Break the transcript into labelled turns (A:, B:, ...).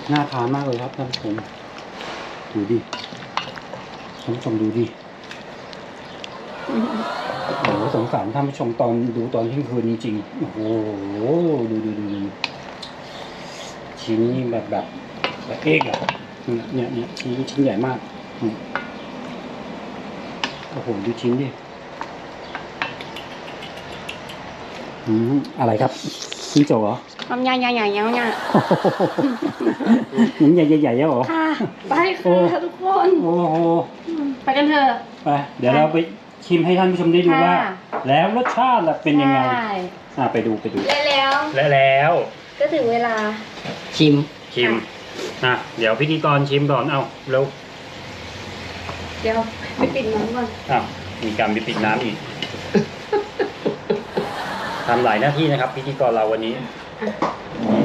A: น่าทานมากเลยครับท่านผู้ชมดูดิท่านผู้ชมดูดิโอ้โหสงสารท่านผู้ชมตอนดูตอนเที่ยงคืนจริงๆโอ้โหดูชิ้นนี้แบบเอกอะเนี่ยชิ้นใหญ่มากโอ้โหดูชิ้นดิอะไรครับชิ้นโจเหรอ
B: ทำใหญ่ๆๆๆเนี่ย
A: หนังใหญ่ๆเหรอ
B: ค่ะไปค่ะทุกคน
A: โอ้โห
B: ไปกันเถอะ
A: ไปเดี๋ยวเราไปชิมให้ท่านผู้ชมได้ดูว่าแล้วรสชาติเป็นยังไงไปดูแล้ว
B: ก็ถึงเวลา
A: ชิมเดี๋ยวพิธีกรชิมก่อนเอาเร็ว
B: เดี๋ยวไปปิดน้ำก่อน
A: มีการไปปิดน้ำอีกทำหลายหน้าที่นะครับพิธีกรเราวันนี้